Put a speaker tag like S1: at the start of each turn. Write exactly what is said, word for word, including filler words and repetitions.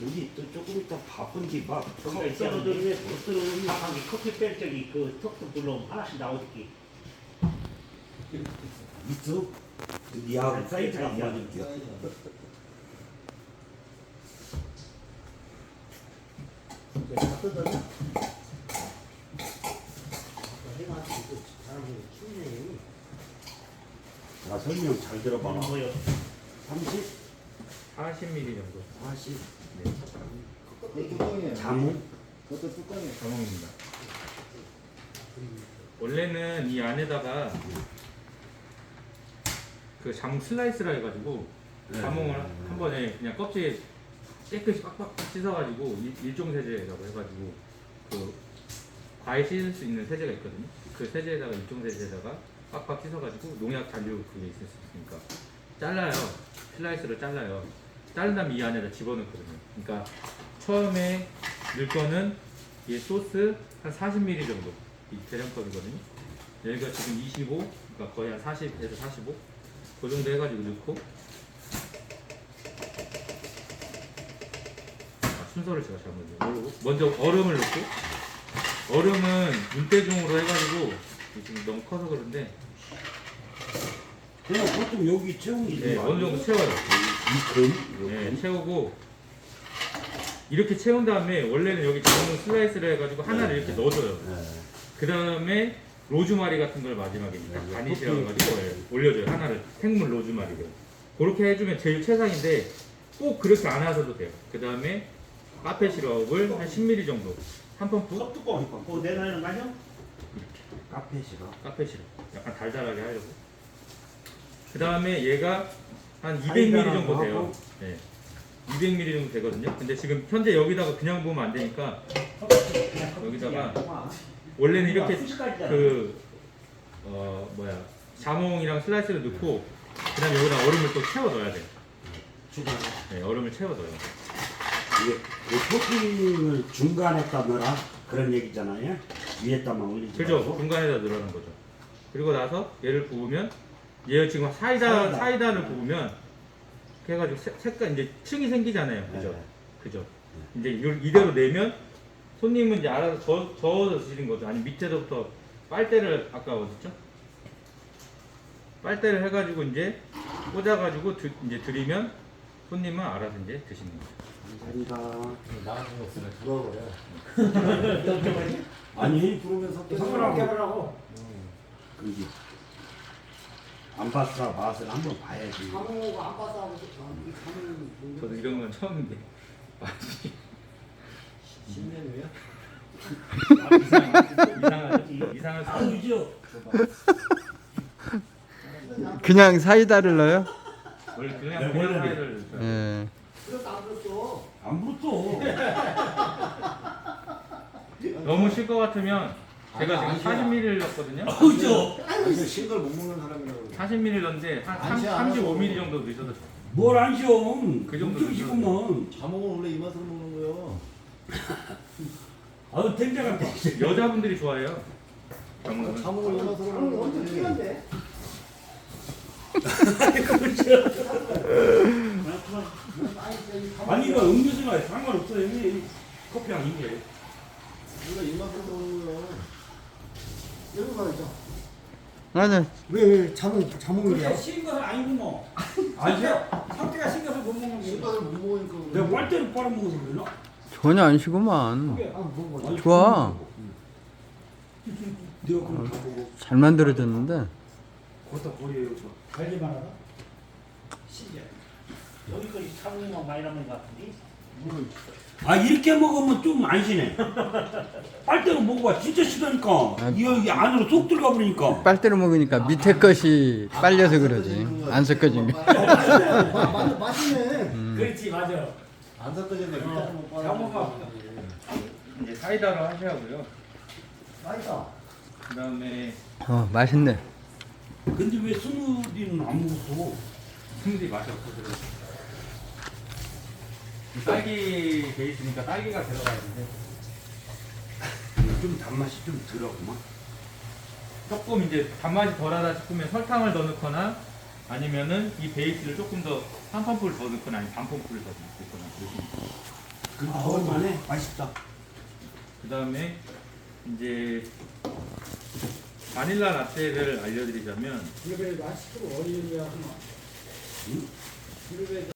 S1: 우리 또 조금 이따 바쁜지 막
S2: 거기가 떨어지면 못 들어오면 방에 커피 뺄 적이 그 톡톡 불러오면 하나씩 나오지.
S1: 있어? 니하고 사이즈가 안
S2: 사이즈가
S1: 맞을게요.
S2: 다 뜯어져. 해가 이거 사람이 춥네.
S1: 자, 설명 잘 들어봐라.
S2: 뭐요?
S1: 삼십,
S3: 사십 밀리미터 정도.
S1: 사십,
S3: 네.
S4: 뚜껑이에요.
S1: 자무,
S4: 그것도 뚜껑이에요.
S3: 자몽입니다. 원래는 이 안에다가 그 자몽 슬라이스라 해가지고 자몽을 한 번에 그냥 껍질 깨끗이 빡빡 씻어가지고 일- 일종세제라고 해가지고 그 과일 씻을 수 있는 세제가 있거든요. 그 세제에다가 일종세제에다가 빡빡 씻어가지고 농약 잔류 그게 있을 수 있으니까 잘라요. 슬라이스로 잘라요. 자른 다음에 이 안에다 집어넣거든요. 그러니까 처음에 넣을 거는 이 소스 한 사십 밀리리터 정도 이 대량컵이거든요. 여기가 지금 이십오, 그러니까 거의 한 사십에서 사십오 그 정도 해가지고 넣고 아, 순서를 제가 잘못 모르고 먼저 얼음을 넣고 얼음은 눈대중으로 해가지고 지금 너무 커서 그런데
S1: 그냥 보통 여기 채우는
S3: 네, 어느 정도 채워요.
S1: 이 금,
S3: 네, 채우고 이렇게 채운 다음에 원래는 여기 자몽 슬라이스를 해가지고 하나를 이렇게 넣어줘요.
S1: 네.
S3: 그 다음에 로즈마리 같은 걸 마지막에 딱
S1: 네,
S3: 가니시라고
S1: 토핑.
S3: 해가지고 예, 올려줘요. 하나를 생물 로즈마리를 그렇게 해주면 제일 최상인데 꼭 그렇게 안 하셔도 돼요. 그 다음에 카페 시럽을 한 십 밀리리터 정도 한 펌프
S2: 컵뚜껑. 그거 내놔는 거 아니야?
S1: 카페 싫어.
S3: 카페 시럽 약간 달달하게 하려고. 그 다음에 얘가 한 이백 밀리리터 정도 돼요.
S1: 하고.
S3: 네. 이백 밀리리터 정도 되거든요. 근데 지금 현재 여기다가 그냥 부으면 안 되니까 여기다가 원래는 이렇게 그 어 뭐야 자몽이랑 슬라이스를 넣고 그다음에 여기다 얼음을 또 채워 넣어야 돼요.
S1: 추가.
S3: 네, 얼음을 채워 넣어요.
S1: 이게 이 토핑을 중간에다 넣어라 그런 얘기잖아요. 위에다만 올리지
S3: 그죠?
S1: 말고.
S3: 중간에다 넣으라는 거죠. 그리고 나서 얘를 부으면 얘 지금 사이다
S1: 사이다.
S3: 사이다를 부으면 이렇게 해가지고 색- 색깔 이제 층이 생기잖아요. 그죠?
S1: 네.
S3: 그죠? 이제 이걸 이대로 내면 손님은 이제 알아서 저, 저어서 드시는 거죠. 아니 밑에서부터 빨대를 아까 어딨죠? 빨대를 해가지고 이제 꽂아가지고 드, 이제 드리면 손님은 알아서 이제 드시는 거죠.
S1: 감사합니다.
S4: 나가는 거 없으면 들어버려.
S1: 아니,
S4: 부르면서 또
S1: 성우랑
S2: 해보라고.
S1: 그지. 안 봤어 맛을 한번 봐야지.
S4: 사모가 안 봐서 하고 싶어.
S3: 저도 이런 건 처음인데 맛이
S4: 신메뉴야?
S3: 이상하지 이상할 수
S2: 아,
S3: 없
S2: 그죠?
S5: 그냥 사이다를 넣어요?
S3: 원래 그냥
S1: 네,
S3: 그냥
S1: 원래는.
S3: 사이다를 넣어요.
S5: 예.
S4: 그래서 안 그랬어.
S1: 안 불었어.
S3: 너무 쉴 것 같으면 제가
S4: 아니야,
S3: 지금
S4: 아니야.
S3: 사십 밀리리터 넣었거든요.
S2: 그죠?
S4: 아니 신걸 못 먹는 사람이라고 그래.
S3: 사십 밀리리터 넣었는데 한
S4: 안 쉬어,
S3: 삼십오
S4: 안
S3: 밀리리터 정도 넣으셔도 좋아요.
S1: 뭘 안 쉬어?
S3: 그 정도
S1: 엄청 쉬구먼.
S4: 자몽은 원래 이 맛으로 먹는 거야.
S1: 아유 탱자같아.
S3: 여자분들이 좋아해요. 자몽은.
S4: 자몽을 이 맛으로 먹는 거지.
S1: 아니 이거 음료수가 상관없어요. 형님. 커피 아닌데.
S4: 우리가 이 맛으로 먹는 거야. 여기 말이죠.
S5: 아니,
S6: 왜, 왜 자몽, 자몽이야?
S2: 그렇게 신 것은 아니구먼.
S1: 아니야?
S2: 상태가 신 것을 못 먹는 게.
S4: 신발을 못 먹으니까 그래.
S1: 내가 빨대를 빨아먹어서 그러나?
S5: 전혀 안 쉬구만.
S6: 아, 먹어.
S1: 아니,
S5: 좋아.
S1: 내가 그럼 다 보고
S5: 잘 만들어졌는데.
S1: 거기다 버려요. 저.
S2: 달기만 하다. 신기해. 여기까지 사모만 많이 남는 것 같은데.
S1: 아 이렇게 먹으면 좀 안 쉬네. 빨대로 먹어봐. 진짜 쉬다니까.
S5: 아.
S1: 이 여기 안으로 쏙 들어가 버리니까.
S5: 빨대로 먹으니까 밑에 것이 빨려서 그러지. 안 섞어진 거.
S6: 맞, 맞네.
S2: 그렇지, 맞아.
S4: 안 섞어졌네. 밑에서 못 빨아.
S2: 자몽아.
S3: 이제 사이다로 하셔야고요.
S4: 맛있다.
S3: 그 다음에
S5: 어, 맛있네.
S1: 근데 왜 스무디는 안 먹었어?
S3: 스무디 맛이 없어서 그래요. 딸기 베이스니까 딸기가 들어가야 되는데
S1: 좀 단맛이 좀 들어구만.
S3: 조금 이제 단맛이 덜하다 싶으면 설탕을 더 넣거나 아니면은 이 베이스를 조금 더 한 펌프를 더 넣거나 아니면 반 펌프를 더 넣거나 그러시면 돼요.
S1: 그
S6: 아,
S1: 먹을만해. 맛있다.
S3: 그 다음에 이제 바닐라 라떼를 알려드리자면
S6: 이거 아직도 어린이야.
S1: 응?
S6: 이거